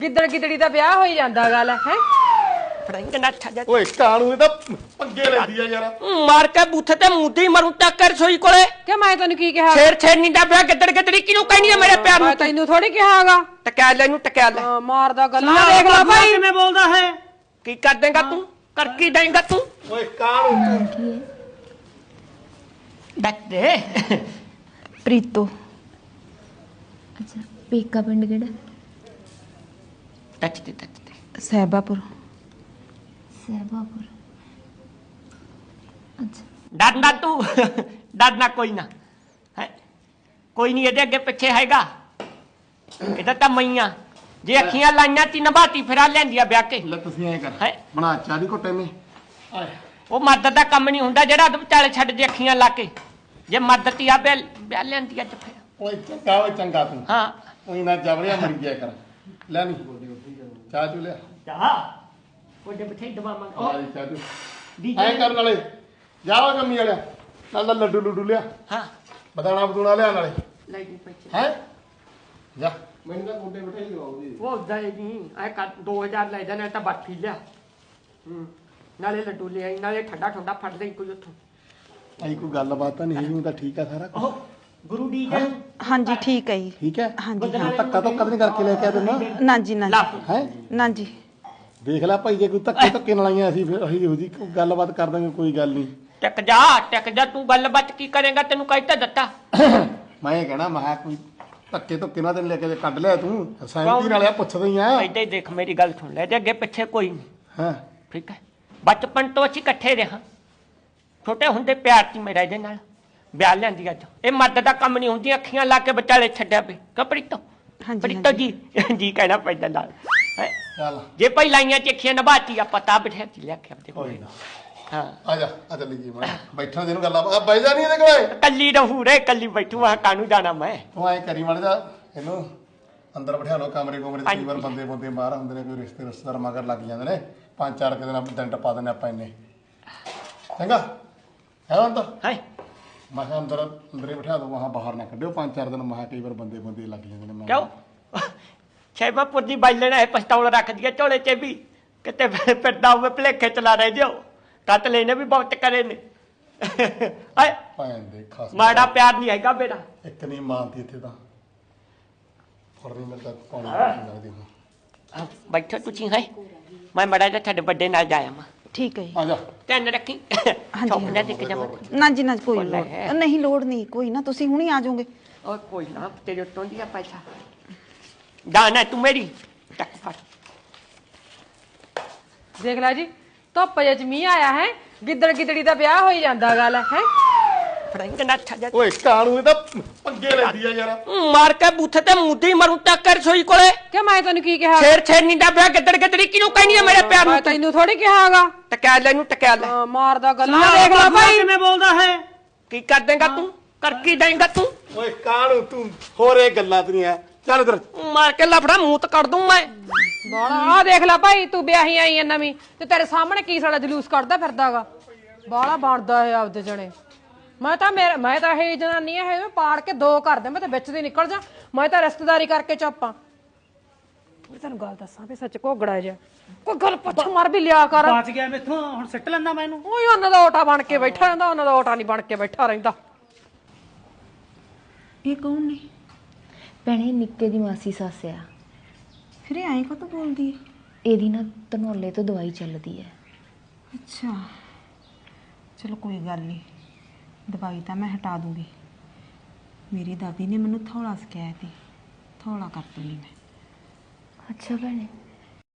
ਗਿੱਦੜ ਗਿੱਦੜੀ ਦਾ ਵਿਆਹ ਹੋਈ ਜਾਂਦਾ ਗੱਲ ਹੈ ਫੜਾਈ ਨਾ ਛੱਡ ਓਏ ਕਾਣੂ ਇਹ ਤਾਂ ਪੰਗੇ ਲੈਂਦੀ ਆ ਯਾਰ ਮਾਰ ਕੇ ਬੂਥੇ ਤੇ ਮੁੱਦੀ ਮਰੂ ਟੱਕ ਰਸੋਈ ਕੋਲੇ ਕਿ ਮੈਂ ਤੈਨੂੰ ਕੀ ਕਿਹਾ ਛੇੜ ਛੇੜਨੀ ਦਾ ਵਿਆਹ ਗਿੱਦੜ ਗਿੱਦੜੀ ਕਿਹਨੂੰ ਕਹਿਣੀ ਆ ਮੇਰੇ ਪਿਆਰ ਨੂੰ ਮੈਂ ਤੈਨੂੰ ਥੋੜੀ ਕਿਹਾਗਾ ਟਕਿਆ ਲੈ ਇਹਨੂੰ ਟਕਿਆ ਲੈ ਮਾਰਦਾ ਗੱਲਾਂ ਦੇਖ ਲੈ ਭਾਈ ਕਿਵੇਂ ਬੋਲਦਾ ਹੈ ਕੀ ਕਰ ਦੇਂਗਾ ਤੂੰ ਕਰ ਕੀ ਦੇਂਗਾ ਤੂੰ ਓਏ ਕਾਣੂ ਤੂੰ ਡੱਕ ਦੇ ਪ੍ਰੀਤੋ ਅੱਛਾ ਪੇਕਾ ਪਿੰਡ ਕਿਹੜਾ ਟੱਚ ਦੇ ਸਹਿਬਾਪੁਰ ਸਹਿਬਾਪੁਰ ਅੱਛਾ ਡਰਨਾ ਤੂੰ ਡਰਨਾ ਕੋਈ ਨਾ ਹੈ ਕੋਈ ਨਹੀਂ ਇਹਦੇ ਅੱਗੇ ਪਿੱਛੇ ਹੈਗਾ ਇਹਦਾ ਤਾਂ ਮਈਆਂ ਜੇ ਅੱਖੀਆਂ ਲਾਈਆਂ ਤੀ ਨਭਾਤੀ ਫਿਰਾ ਲੈਂਦੀਆਂ ਵਿਆਹ ਕੇ ਲੈ ਤੁਸੀਂ ਐ ਕਰ ਹੈਂ? ਬਣਾ ਚਾਹ ਦੀ ਘੁੱਟੇ ਨੇ ਉਹ ਮਰਦ ਦਾ ਕੰਮ ਨਹੀਂ ਹੁੰਦਾ ਜਿਹੜਾ ਉਹਦੇ ਵਿਚਾਲੇ ਛੱਡ ਦੇ ਅੱਖੀਆਂ ਲਾ ਕੇ ਜੇ ਮਰਦ ਤੀ ਆ ਵਿਆਹ ਲੈਂਦੀ ਅੱਜ ਫਿਰ ਓਏ ਚੰਗਾ ਓਏ ਚੰਗਾ ਤੂੰ ਹਾਂ ਉਹੀ ਨਾ ਜਬੜਿਆ ਮਰ ਗਿਆ ਕਰ ਲੈ ਨਹੀਂ ਚਾਹ ਚੁ ਲਿਆ ਚਾਹ ਉਹਦੇ ਬਿਠੇ ਦਵਾਵਾਂਗੇ ਆ ਜੀ ਚਾਹ ਚੁ ਐ ਕਰਨ ਵਾਲੇ ਜਾਓ ਜੰਮੀ ਵਾਲਿਆ ਨਾਲ ਲੱਡੂ ਲੁੱਡੂ ਲਿਆ ਹਾਂ ਬਦਾਣਾ ਬਦੂਣਾ ਲਿਆ ਨਾਲੇ ਲੈ ਜੀ ਪੈਸੇ ਹੈ ਜਾ ਮੈਨੂੰ ਤਾਂ ਗੋਡੇ ਬਿਠਾਈ ਲਵਾਉਦੀ ਉਹ ਜਾਏ ਨਹੀਂ ਐ 2000 ਲੈ ਜਾਣਾ ਤਾਂ ਬਾਕੀ ਲਿਆ ਨਾਲੇ ਲੱਡੂ ਲੈ ਆਈ ਨਾਲੇ ਠੰਡਾ ਠੰਡਾ ਫੜ ਲਈ ਕੋਈ ਉੱਥੋਂ ਐ ਕੋਈ ਗੱਲਬਾਤ ਤਾਂ ਨਹੀਂ ਹੈਗੀ ਤਾਂ ਠੀਕ ਆ ਸਾਰਾ ਕੁਛ। ਉਹ ਗੁਰੂ ਦੀ ਜੈ ਹਾਂਜੀ ਠੀਕ ਹੈ ਜੀ ਠੀਕ ਹੈ ਹਾਂਜੀ ਹਾਂ ਧੱਕਾ ਤਾਂ ਕਦੇ ਕਰਕੇ ਲੈ ਕੇ ਆ ਦਿੰਦਾ ਨਾ ਜੀ ਨਾ ਲਾ ਹੈ ਨਾ ਜੀ ਦੇਖ ਲੈ ਭਾਈ ਜੇ ਕੋਈ ਧੱਕੇ ਨਾਲ ਆਈਆਂ ਅਸੀਂ ਫਿਰ ਅਸੀਂ ਇਹੋ ਜੀ ਗੱਲਬਾਤ ਕਰ ਦਾਂਗੇ ਕੋਈ ਗੱਲ ਨਹੀਂ ਟਿਕ ਜਾ ਤੂੰ ਗੱਲਬਾਤ ਕੀ ਕਰੇਗਾ ਤੈਨੂੰ ਕਹਿ ਦਿੱਤਾ ਮੈਂ ਇਹ ਕਹਿਣਾ ਮੈਂ ਕਿਹਾ ਕੋਈ ਧੱਕੇ ਧੁੱਕੇ ਨਾਲ ਤੈਨੂੰ ਲੈ ਕੇ ਕੱਢ ਲਿਆ ਤੂੰ ਸਹਿਮਤੀ ਨਾਲ ਆ ਪੁੱਛਦਾ ਹੀ ਆ ਐਡੇ ਦੇਖ ਮੇਰੀ ਗੱਲ ਸੁਣ ਲੈ ਤੇ ਅੱਗੇ ਪਿੱਛੇ ਕੋਈ ਨਹੀਂ ਹਾਂ ਠੀਕ ਹੈ ਬਚਪਨ ਤੋਂ ਅਸੀਂ ਇਕੱਠੇ ਰਹੇ ਛੋਟੇ ਹੁੰਦੇ ਪਿਆਰ ਸੀ ਮੇਰਾ ਇਹਦੇ ਨਾਲ ਵਿਆਹ ਲੈਂਦੀ ਅੱਜ ਇਹ ਮਰਦ ਦਾ ਕੰਮ ਨਹੀਂ ਹੁੰਦੀ ਅੱਖੀਆਂ ਲਾ ਕੇ ਵਿਚਾਲੇ ਛੱਡਿਆ ਪਈ ਕਪੜੀਤੋ ਹਾਂਜੀ ਪ੍ਰੀਤੋ ਜੀ ਜੀ ਕਹਿਣਾ ਪੈਂਦਾ ਨਾਲ ਹੈਂ? ਚੱਲ ਜੇ ਪਈ ਲਾਈਆਂ ਚਿੱਖੀਆਂ ਨਭਾਤੀ ਆ ਪਤਾ ਬਿਠਾ ਕੇ ਲਿਆ ਕੇ ਆਪਦੇ ਕੋਲ ਕੋਈ ਨਾ ਹਾਂ ਆ ਜਾ ਆ ਚੱਲੀ ਜੀ ਮੈਂ ਬੈਠਣ ਦੇ ਨੂੰ ਗੱਲਾਂ ਆ ਬਹਿ ਜਾ ਨਹੀਂ ਇਹਦੇ ਕੋਲੇ ਕੱਲੀ ਰਹੂ ਰੇ ਕੱਲੀ ਬੈਠੂ ਆ ਕਾਨੂੰ ਜਾਣਾ ਮੈਂ ਤੂੰ ਐ ਕਰੀ ਮੜ ਜਾ ਇਹਨੂੰ ਅੰਦਰ ਬਿਠਾ ਲਓ ਕਮਰੇ ਕੋਮਰੇ ਕਈ ਵਾਰ ਬੰਦੇ ਬਾਹਰ ਹੁੰਦੇ ਨੇ ਕੋਈ ਰਿਸ਼ਤੇਦਾਰ ਮਗਰ ਲੱਗ ਜਾਂਦੇ ਨੇ 5-4 ਦਿਨ ਟਪਾ ਦਿੰਦੇ ਆਪਾਂ ਇੰਨੇ ਚੰਗਾ ਹੈ ਅੰਦਰ ਹੈ ਮੈਂ ਕਿਹਾ ਅੰਦਰੇ ਬਿਠਾ ਦੋ ਵਹਾਂ ਬਾਹਰ ਨਾ ਕੱਢਿਓ 5-4 ਦਿਨ ਮੈਂ ਕਈ ਵਾਰ ਬੰਦੇ ਲੱਗ ਜਾਂਦੇ ਨੇ ਕਿਉਂ ਛੇਬਾਪੁਰ ਦੀ ਬਾਈ ਲੈਣਾ ਹੈ ਪਿਸਤੌਲ ਰੱਖ ਦਿਆ ਝੋਲੇ 'ਚ ਵੀ ਕਿਤੇ ਫਿਰਦਾ ਹੋਵੇ ਭਲੇਖੇ ਚਲਾ ਰਹੇ ਦਿਓ ਕੱਟ ਲੈਨੇ ਵੀ ਬਹੁਤ ਕਰੇ ਨੇ ਆਏ ਭੈਣ ਦੇ ਖਾਸ ਮਾੜਾ ਪਿਆਰ ਨਹੀਂ ਹੈਗਾ ਬੇਟਾ ਇੱਕ ਨਹੀਂ ਮਾਨਤੀ ਇੱਥੇ ਤਾਂ ਫੜਨੀ ਮੇਰੇ ਤਾਂ ਪਾਣੀ ਲੱਗਦੀ ਹੁਣ ਬੈਠੋ ਤੁਸੀਂ ਹੈ ਮੈਂ ਮੜਾ ਜਾ ਤੁਹਾਡੇ ਵੱਡੇ ਨਾਲ ਜਾਇਆ ਮੈਂ ਠੀਕ ਹੈ ਜੀ ਆ ਜਾ ਧਿਆਨ ਰੱਖੀ ਹਾਂਜੀ, ਚੁੱਪ ਨਾ ਟਿਕ ਜਾ ਨਾ ਜੀ ਨਾ ਕੋਈ ਉਹ ਲੈ। ਲੋੜ ਨਹੀਂ ਲੋੜ ਨਹੀਂ ਕੋਈ ਨਾ ਤੁਸੀਂ ਹੁਣੀ ਆ ਜਾਓਗੇ ਓਏ ਕੋਈ ਨਾ ਤੇਰੇ ਉੱਤੋਂ ਦੀ ਆ ਪੈਸਾ ਦਾਣਾ ਤੂੰ ਮੇਰੀ ਟੱਕ ਫੜ ਦੇਖ ਲੈ ਜੀ ਧੁੱਪ ਜੇ ਚ ਮੀਂਹ ਆਇਆ ਹੈ ਗਿੱਦੜ ਗਿੱਦੜੀ ਦਾ ਵਿਆਹ ਹੋਈ ਜਾਂਦਾ ਗੱਲ ਹੈ ਫੜਾਈ ਨਾ ਛੱਡ ਓਏ ਕਾਣੂ ਇਹ ਤਾਂ ਪੰਗੇ ਲੈਂਦੀ ਆ ਯਾਰ ਮਾਰ ਕੇ ਬੂਥੇ ਤੇ ਮੁੱਦੀ ਮਰੂ ਟੱਕ ਰਸੋਈ ਕੋਲੇ ਕਿ ਮੈਂ ਤੈਨੂੰ ਕੀ ਕਿਹਾ ਛੇੜ ਛੇੜਨੀ ਦਾ ਵਿਆਹ ਗਿੱਦੜ ਗਿੱਦੜੀ ਕਿਹਨੂੰ ਕਹਿਣੀ ਆ ਮੇਰੇ ਪਿਆਰ ਨੂੰ ਮੈਂ ਤੈਨੂੰ ਥੋੜੀ ਕਿਹਾਗਾ ਟਕਿਆ ਲੈ ਇਹਨੂੰ ਟਕਿਆ ਲੈ ਮਾਰਦਾ ਗੱਲਾਂ ਦੇਖ ਲੈ ਭਾਈ ਕਿਵੇਂ ਬੋਲਦਾ ਹੈ ਕੀ ਕਰ ਦੇਂਗਾ ਤੂੰ ਕਰ ਕੀ ਦੇਂਗਾ ਤੂੰ ਓਏ ਕਾਣੂ ਤੂੰ ਹੋਰ ਇਹ ਗੱਲਾਂ ਤੇਰੀਆਂ ਚੱਲ ਇਧਰ ਮਾਰ ਕੇ ਲਫੜਾ ਮੂੰਹ ਤੇ ਕੱਢ ਦੂੰ ਮੈਂ ਬਾਲਾ ਆ ਦੇਖ ਲੈ ਭਾਈ ਤੂੰ ਵਿਆਹੀ ਆਈ ਐ ਨਵੀਂ ਤੇ ਤੇਰੇ ਸਾਹਮਣੇ ਕੀ ਸਾਡਾ ਜਲੂਸ ਕੱਢਦਾ ਫਿਰਦਾਗਾ ਬਾਲਾ ਬਣਦਾ ਹੈ ਆਪਦੇ ਜਣੇ ਮੈਂ ਤਾਂ ਇਹ ਜਨਾਨੀ ਇਹ ਪਾੜ ਕੇ ਦੋ ਕਰ ਦੇ ਮੈਂ ਤਾਂ ਵਿੱਚ ਦੀ ਨਿਕਲ ਜਾ ਮੈਂ ਤਾਂ ਰਿਸ਼ਤੇਦਾਰੀ ਕਰਕੇ ਚੁੱਪਾਂ ਮੈਂ ਤੈਨੂੰ ਗੱਲ ਦੱਸਾਂ ਵੀ ਸੱਚ ਘੋਗੜਾ ਜਾ ਕੋਈ ਗੱਲ ਪੁੱਛ ਮਾਰ ਵੀ ਲਿਆ ਕਰ ਬਚ ਗਿਆ ਮੈਥੋਂ ਹੁਣ ਸਿੱਟ ਲੈਂਦਾ ਮੈਨੂੰ ਓਏ ਉਹਨਾਂ ਦਾ ਓਟਾ ਬਣ ਕੇ ਬੈਠਾ ਰਹਿੰਦਾ ਉਹਨਾਂ ਦਾ ਓਟਾ ਨਹੀਂ ਬਣ ਕੇ ਬੈਠਾ ਰਹਿੰਦਾ ਇਹ ਕੌਣ ਨੇ ਭੈਣੇ ਨਿੱਕੇ ਦੀ ਮਾਸੀ ਸੱਸ ਆ ਫਿਰ ਇਹ ਐਂ ਕਾਹਤੋਂ ਬੋਲਦੀ ਹੈ ਇਹਦੀ ਨਾ ਧਨੌਲੇ ਤੋਂ ਦਵਾਈ ਚੱਲਦੀ ਹੈ ਅੱਛਾ ਚਲੋ ਕੋਈ ਗੱਲ ਨਹੀਂ ਦਵਾਈ ਤਾਂ ਮੈਂ ਹਟਾ ਦੂੰਗੀ ਮੇਰੀ ਦਾਦੀ ਨੇ ਮੈਨੂੰ ਥੋੜਾ ਸਿਖਾਇਆ ਸੀ ਥੋੜਾ ਕਰ ਦੂੰਗੀ ਮੈਂ ਅੱਛਾ ਭੈਣੇ